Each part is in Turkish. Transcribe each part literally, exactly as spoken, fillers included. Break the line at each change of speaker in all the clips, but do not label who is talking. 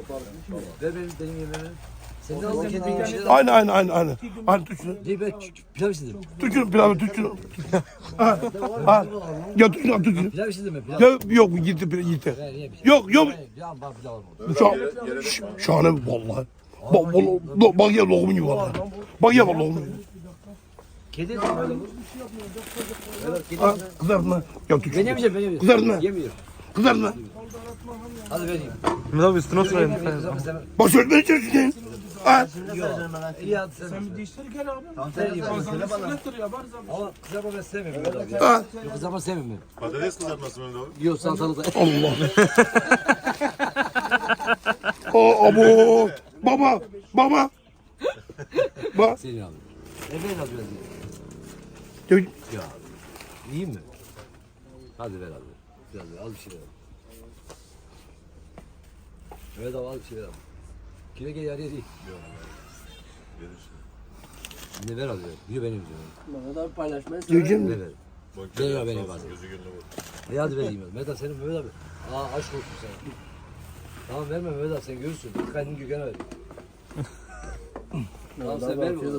Ver benim benim yemeğimi. Sen de aldın kendin yemişsin.
Aynı aynı aynı aynı. Aynı tuşunu.
Değil ben pilav istedim.
Tuşunu pilavı tuşunu. Ha. Ha. Ya tuşunu tuşunu.
Pilav istedim mi? Pilav.
Ya yok bu gitti pilav gitti.
Ben yiyemeyeceğim.
Yok yok.
Ya bak pilav olmadı.
Şa ş- şahane vallahi. Bak bak bak ya lokumun gibi vallahi. Bak ya bak lokumun gibi.
Kedi de böyle bu. Evet kedi.
Ha, kızartma. Ya tuşunu.
Ben yemeyeceğim ben yemeyeceğim.
Kızartma.
Yemiyorum.
Kızartma.
Hadi vereyim.
Mehmet abi üstüne oturayım.
Bak söyle içerisine. Ha.
İyi hadi sen.
Sen bir değiştir gel abi.
Tamam sen yiyeyim.
Sünnettir ya bari zaman.
Ama kızarma ben sevmiyorum Mehmet abi. ya.
Ha.
Yok kızarma sevmiyorum
Patates kızartması mı abi?
ben. Yok salatalık da.
Allah. Aa abo. Baba. Baba. Bak.
Senin abi. Ne ver abi biraz ye.
Ya,
Ya abi. Yiyeyim mi? Hadi ver abi. Biraz ver. Az bir şey ver abi. Mehmet abi az bir şey ver abi. Kime gel yarıya değil. Ne ver abi ver. Yürü benim diyorum.
Mehmet abi paylaşmayı
Yiyeceğim
Ne
mi?
ver.
Bak,
Ver ya
sağ
benim
olsun,
bazen.
gözü gönlü vur.
E hadi vereyim. Mehmet abi senin Mehmet abi. Aa aşk olsun sana. Tamam verme Mehmet abi sen görürsün. Kendini Gökhan'a ver. Tamam sen verme. Lan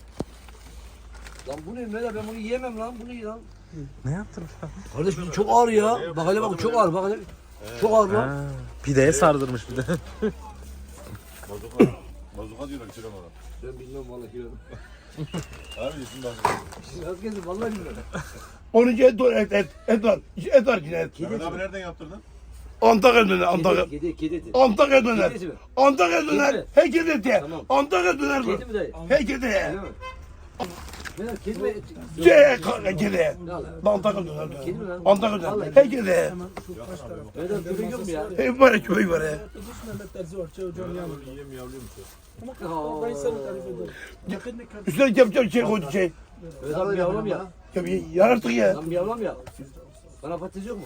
bu ne Mehmet abi ben bunu yiyemem lan. Bu ne lan?
Ne yaptın?
Kardeş bu çok ağır ya. Bak hele bak çok ağır bak hele. Çok ağır lan.
Ha, pideye sardırmış bir de.
Bazuka. Bazuka diyorlar içeri bana.
Ben bilmem vallahi ya.
Abi isim bazuka.
Az gezdim vallahi bilmem.
Onun için et var et et. Et var. Et var yine et.
Mehmet abi nereden yaptırdın?
Antakya döner Antakya.
Kedi kedi kedi eti.
Antakya döner.
Kedi mi?
Antakya döner.
Kedi.
Herkes et ye.
Tamam.
Antakya döner
Kedi
bu.
mi dayı?
Herkes ye.
Değil mi? Ben kedi mi? et?
Ye kanka kedi ye.
Ne ala?
Antakya döner.
Kedi mi lan?
Antakya döner.
Vallahi
Herkes ye.
Mehmet abi köpek yok mu ya?
Hey var ya köy var ya.
Dış Mehmet Terzi var. Çay hocam yanında.
Yiyem yavruyormuş ya.
Ama ben sana tarif ederim. Yakın ne kadar.
Üstüne yapacağım şey koydu şey.
Mehmet abi yavrum ya.
Ya bir yar artık ya.
Lan bir yavrum ya. Bana patates yok mu?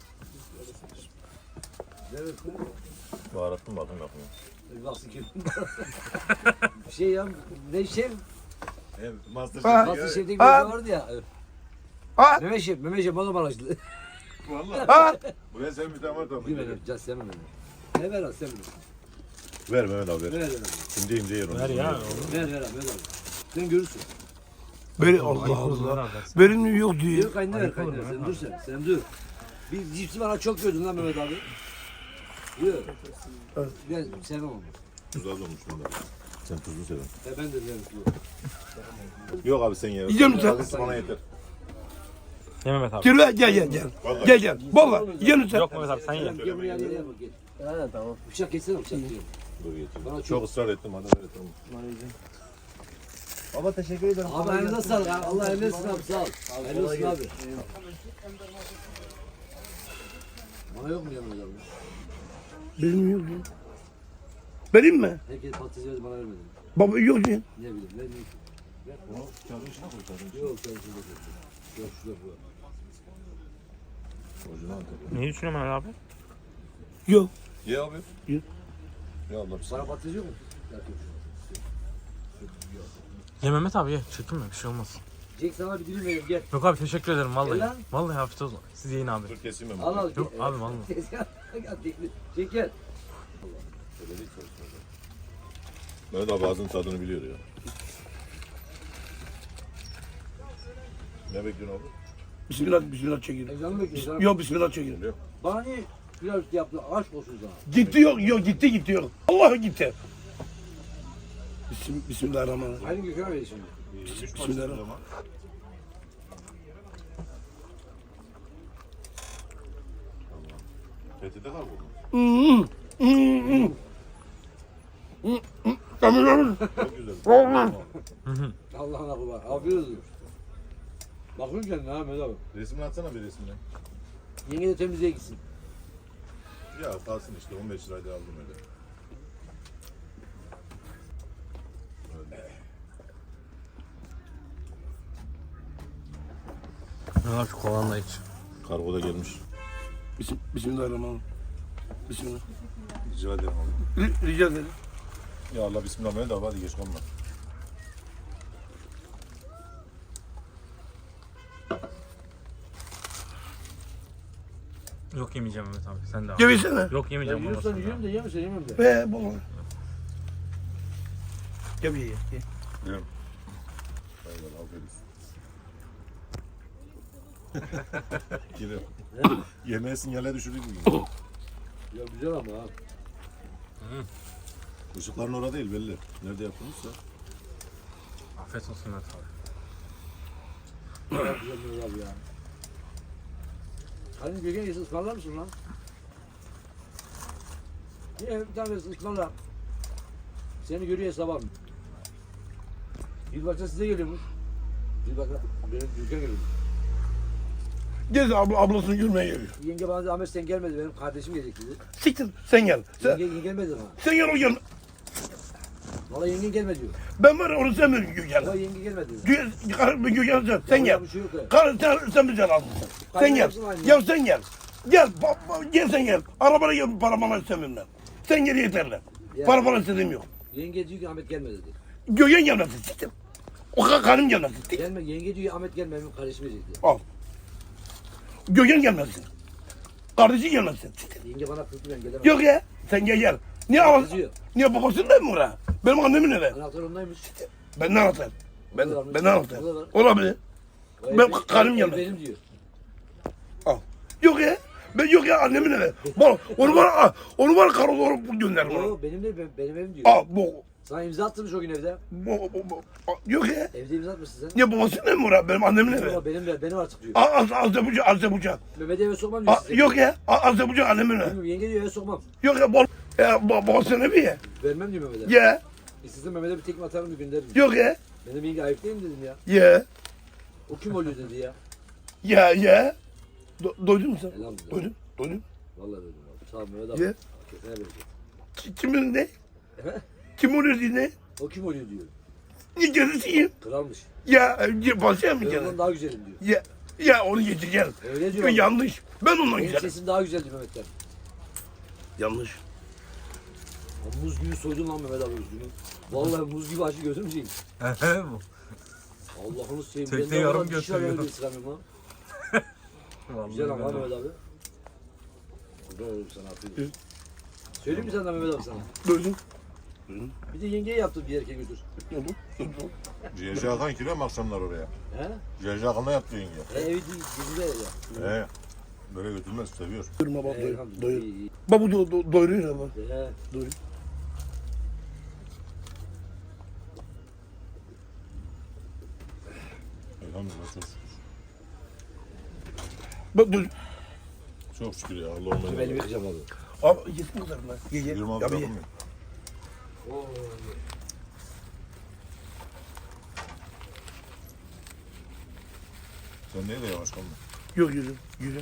Evet.
Baharattım bakın bakın.
Bir baksın kim? Bir şey ya. Ne şey?
Evet, Master
Ha.
Nasıl
Chef.
şefte bir
Ha.
şey vardı ya.
Ha
Mehmet Şef, Mehmet Şef bana bana açtı.
Valla.
ha.
Buraya sen bir tane var tamam.
Değil mi? Can sevmem beni. Ne ver al sen bunu.
Ver Mehmet abi
Ver
ver.
ver abi.
İnce ince yer onu.
Ver ya.
Ver ver abi ver abi. Sen görürsün.
Böyle Allah Allah. Benim yok diyor.
Yok kaynağı ver kaynağı. Sen dur sen. Sen dur. Bir cipsi bana çok gördün lan Mehmet abi. Yok. Ben sevmem onu.
Tuz az olmuş bunda. Sen tuzlu seven.
E ben de yerim.
Yok abi sen ye.
Yiyecek misin?
Tuz bana yeter.
Ye Mehmet abi.
Gel gel gel gel. Gel gel. Baba yiyecek misin?
Yok Mehmet abi sen ye.
Gel buraya gel gel bak gel.
Ha tamam.
Bıçak kessene bıçak diyor.
Dur getir.
Bana
Çok
çok.
ısrar ettim hadi ver tamam.
Baba teşekkür ederim.
Abi elinize sağlık abi. Allah eline olsun abi sağ ol. Elinize olsun abi. Bana yok mu ya Mehmet abi?
Benim yok diyor. Benim mi?
Herkes patates verdi bana vermedi.
Baba yok diyor.
Ne bileyim ne bileyim.
Onu kağıdın içine koy kağıdın
Yok sen şurada koy. Yok şurada koy.
içine. Orijinal tabii.
Neyi düşünüyorsun Mehmet abi?
Yok.
Ye abi.
Ye.
Ya Allah
Bana patates yok mu?
Ye Mehmet abi ye. Çekinme bir şey olmaz.
Jack sana bir dilim vereyim gel.
Yok abi teşekkür ederim vallahi.
Gel lan.
Vallahi afiyet olsun. Siz yiyin abi.
dur keseyim ben.
Al al.
Yok
gel.
abi, vallahi.
Tezgah. Gel tekli. Jack gel.
Mehmet abi ağzının tadını biliyor ya. Ne bekliyorsun abi?
Bismillah bismillah çekin.
Ezanı bekliyorsun.
Yok bismillah çekin.
Bana niye pilav üstü yaptın? Aşk olsun sana.
Gitti yok yok gitti gitti yok. Allah gitti. Bism Bismillahirrahmanirrahim.
Aynı Gökhan'a ver şimdi.
Bismillahirrahmanirrahim.
Tehdide kal bu.
Hmm, hmm, hmm. Hmm, hmm. Tamam, tamam.
Çok güzel.
Tamam.
Allah'ına kurban. Afiyet olsun. Bakıyorum kendine ha Mehmet abi.
Resmini atsana bir resmini.
Yenge de temizliğe gitsin.
Ya kalsın işte on beş liraydı aldım öyle. Öyle.
Mehmet abi şu kolanla iç.
Kargoda gelmiş.
Bism Bismillahirrahmanirrahim. Bismillah.
Rica ederim abi.
Ri- Rica ederim.
Ya Allah bismillah Mehmet abi hadi geç kalma.
Yok yemeyeceğim Mehmet abi. Sen de al.
Gevisene.
Yok
Ya
yemeyeceğim.
yiyorsan
babasını
yiyorum
da.
da yemiyorsan yemem de.
Ve baba. Gel ye ye.
Biliyorum. Hayvan aferin. Geliyor. Yemeğe sinyale düşürdük bugün.
Ya güzel ama ha.
Işıkların orada değil belli. Nerede yaptınızsa.
Afiyet olsun Mehmet abi.
Ya güzel Mehmet abi ya. Hani Gökhan yesi ısmarlar mısın lan? Niye bir tanesi ısmarla. Seni görüyor hesaba mı? Yılbaşta size geliyormuş. Yılbaşta benim Gökhan geliyor.
Gez abla, ablasını görmeye geliyor.
Yenge bana dedi Ahmet sen gelmedi benim kardeşim gelecek dedi.
Siktir sen gel. Sen,
Yenge, yenge gelmedi bana.
sen gel o gel.
Valla yenge gelmedi diyor.
Ben var ya onu sevmiyorum
Valla
Gökhan'ı.
yenge gelmedi diyor.
Gökhan Gökhan sen, sen
Ya
gel.
bir şey yok ya.
Karı sen, sen bize lazım. Sen gel.
yapsın aynı.
Ya sen gel. Gel, ba, ba, gel sen gel. Arabana gel, para bana istemiyorum ben. Sen gel yeterli.
Ya.
Para bana istediğim yok.
Yenge diyor ki Ahmet gelmedi dedi.
Gökhan gelmesin, siktir. O kadar karım gelmesin, siktir.
Gelme yenge diyor Ahmet gelmedi benim kardeşim gelecek diyor.
Al. Gökhan gelmesin. Kardeşi gelmesin, siktir.
Yenge bana kızdı ben gelemem.
Yok ya, sen gel gel. Niye al?
Kızıyor.
Niye babasının da mı oraya? Benim annemin evi.
Anahtar ondaymış.
Ben ne anlatayım? Ben,
O da var,
ben ne anlatayım?
o da var.
Olabilir.
O
Ben-
ev-
karım
ev
gelmedi.
Benim diyor.
Al. Yok ya. Ben yok ya annemin evi. Bak onu var onu var karı olarak gönder bana.
O benim de benim evim diyor.
Al bu.
Sana imza attırmış o gün evde.
bu, bu, bu. Yok ya.
Evde imza atmışsın sen.
Niye babasının evi mi oraya? Benim annemin evi.
Ama benim de benim artık diyor.
Az az az bucak az bucak.
Mehmet'i eve sokmam diyor
Aa,
size.
yok ya. Az bucak annemin evi.
Bilmiyorum, yenge diyor eve sokmam.
Yok ya bol. Ya baba babasının evi ya.
Vermem diyor Mehmet'e.
Ya.
İstesem Mehmet'e bir tekme atarım bir gönderirim. diyor.
Yok ya.
Benim yenge ayıp değil mi dedim ya.
Ya.
O kim oluyor dedi ya.
Ya ya. Do, doydun mu sen?
Elhamdülillah.
Doydun. Doydun.
Vallahi dedim abi. Sağ ol Mehmet abi.
Ya.
Kesene verecek.
Ki- Kimin ne?
He?
Kim oluyor diye ne?
O kim oluyor diyor.
Niye gezisiyim?
Kralmış.
Ya. Ya basaya mı
Ben
gene?
ondan daha güzelim diyor.
Ya. Ya onu geçeceğiz.
Öyle diyor.
Ya,
abi.
yanlış. Ben ondan
Benim
güzelim.
sesim daha güzel diyor Mehmet'ten.
Yanlış.
Ya muz gibi soydun lan Mehmet abi üstünü. Vallahi muz gibi acı gözüm şeyim.
Bu.
Allah'ını seveyim.
Tekte
Ben de
yorum
oradan diş
götürüyor.
alıyorum, ısıramıyorum ha.
Vallahi
Güzel ama
Mehmet abi.
Mehmet abi. Güzel olur sana afiyet. Söyleyeyim mi senden Mehmet abi sana?
Doydun.
Bir de yengeye yaptım bir erkeğe götür.
Doydun. Doydun.
Ciğerci Hakan giriyor mu akşamlar oraya?
He?
Ciğerci Hakan'la yaptı yenge.
E, evi değil, dizide ya.
He. Böyle götürmez seviyor.
Doyurma baba
E,
doyur.
elhamdülillah,
Doyur.
iyi, iyi.
Baba do, do, doyuruyor ama.
He.
Doyur.
Elhamdülillah çok şükür.
Bak doyur.
Çok şükür ya Allah
Dur
ondan
elimi
razı
yıkayacağım abi.
Abi yesin bu kadar lan. Ye ye.
yirmi altı
Ya bir ye.
yapım ya.
Oo.
Sen neyle yavaş kaldın?
Yok yürü. Yürü.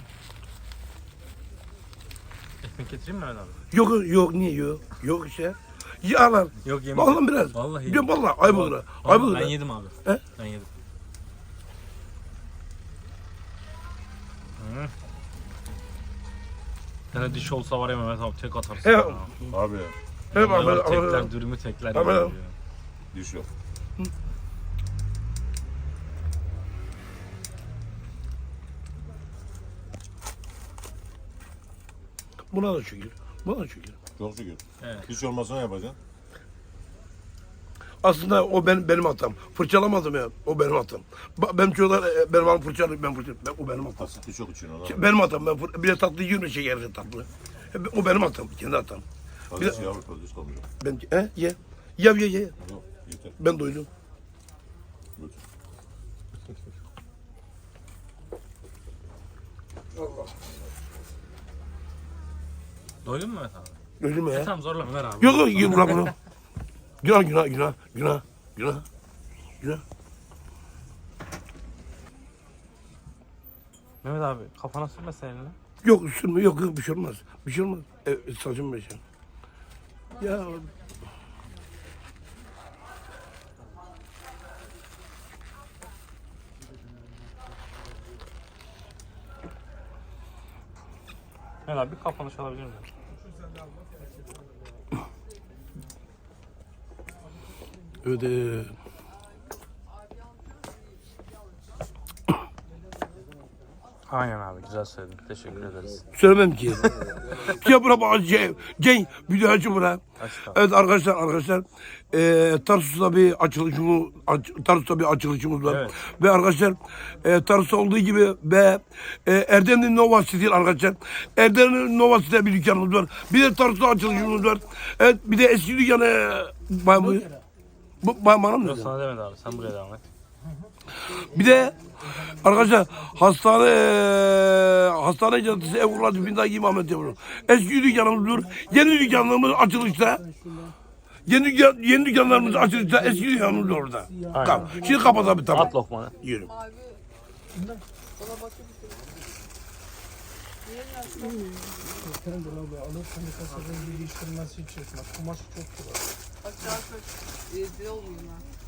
Ekmek getireyim mi Mehmet abi?
Yok yok niye yok? Yok işte. Ye al al.
Yok yemeyeceğim.
Vallahi biraz.
Vallahi
Ya vallahi ayıp olur. ha. Ayıp olur.
Ben
ha.
yedim abi.
He?
Ben yedim. Hı. Yani diş olsa var ya Mehmet abi tek atarsın.
He.
ya.
Abi ya.
Hep
Vallahi
abi.
var, tekler
abi.
dürümü tekler.
Abi.
yiyor ya.
Diş yok.
Buna da şükür. Buna da şükür.
Çok şükür.
Evet.
Diş olmasa ne yapacaksın?
Aslında o benim benim hatam. Fırçalamadım ya. O benim hatam. Ba- Benim çocuklar e, benim hanım fırçalıyor. Ben fırçalıyorum. Ben, o benim hatam.
Asit diş yok için ona.
Benim hatam. Ben fır- bir de tatlı yiyorum şekerli tatlı. E, O benim hatam. Kendi hatam.
Fazla şey yavru fazla diş kalmayacak.
Ben he ye. Ye ye ye.
Yok yeter.
Ben doydum.
Götür.
Doydun mu Mehmet abi?
Doydum
E,
ya.
tamam zorlama ver abi.
Yok yok ye bırak bunu. Günah günah günah günah günah günah.
Mehmet abi kafana sürmesen eline.
Yok sürme yok yok bir şey olmaz. Bir şey olmaz. E, saçım beşim. Ya
Mehmet abi bir kafanı çalabilir miyim?
öde.
Aynen abi güzel söyledin. Teşekkür ederiz.
Söylemem ki. Ya bura bak şey, Cenk video açın bura.
Aç abi.
Evet arkadaşlar arkadaşlar e, Tarsus'ta bir açılışımız aç, Tarsus'ta bir açılışımız var.
Evet.
Ve arkadaşlar e, Tarsus'ta olduğu gibi ve e, Erdemli Nova City arkadaşlar. Erdemli Nova City'de bir dükkanımız var. Bir de Tarsus'ta açılışımız var. Evet bir de eski dükkanı ben bu bu bana mı
Yok
dedi?
sana demedi abi. Sen buraya devam et.
Bir de arkadaşlar hastane hastane caddesi Evurla dibindeki İmamet yapıyor. Eski dükkanımız var. Yeni dükkanlarımız açılışta. Yeni, dükkan, yeni dükkanlarımız açılışta. Eski dükkanımız var orada.
Aynen.
Tamam. Şimdi kapat abi tamam.
At lokmanı.
Yürü.
Sen de abi alırsan birkaç sefer değiştirmesi için. Kumaşı çok güzel.
Aşağı kaç. Rezil olmayayım ben.